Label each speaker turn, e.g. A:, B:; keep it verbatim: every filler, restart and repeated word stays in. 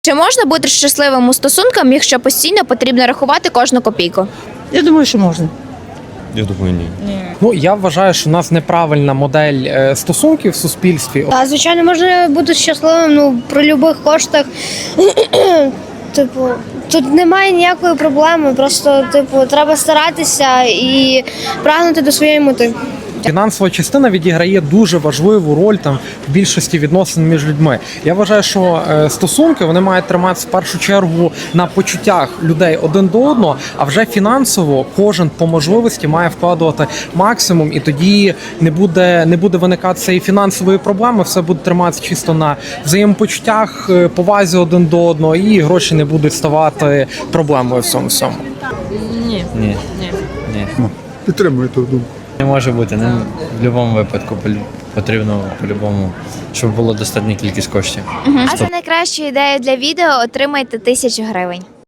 A: Чи можна бути щасливим у стосунках, якщо постійно потрібно рахувати кожну копійку?
B: Я думаю, що можна.
C: Я думаю, ні.
D: Ну, я вважаю, що у нас неправильна модель е, стосунків в суспільстві.
E: А звичайно, можна бути щасливим ну, при будь-яких коштах. Типу, тут немає ніякої проблеми, просто типу, треба старатися і прагнути до своєї мети.
D: Фінансова частина відіграє дуже важливу роль там в більшості відносин між людьми. Я вважаю, що е, стосунки вони мають триматися в першу чергу на почуттях людей один до одного, а вже фінансово кожен по можливості має вкладувати максимум, і тоді не буде не буде виникати цієї фінансової проблеми. Все буде триматися чисто на взаємопочуттях, е, повазі один до одного, і гроші не будуть ставати проблемою в цьому всьому.
F: Ні.
C: Ні.
F: Ні.
C: Ні.
G: Підтримую ту думку.
C: Не може бути. Не, в будь-якому випадку полю- потрібно по-любому, щоб було достатня кількість коштів.
A: А за найкращу ідею для відео отримайте тисячу гривень.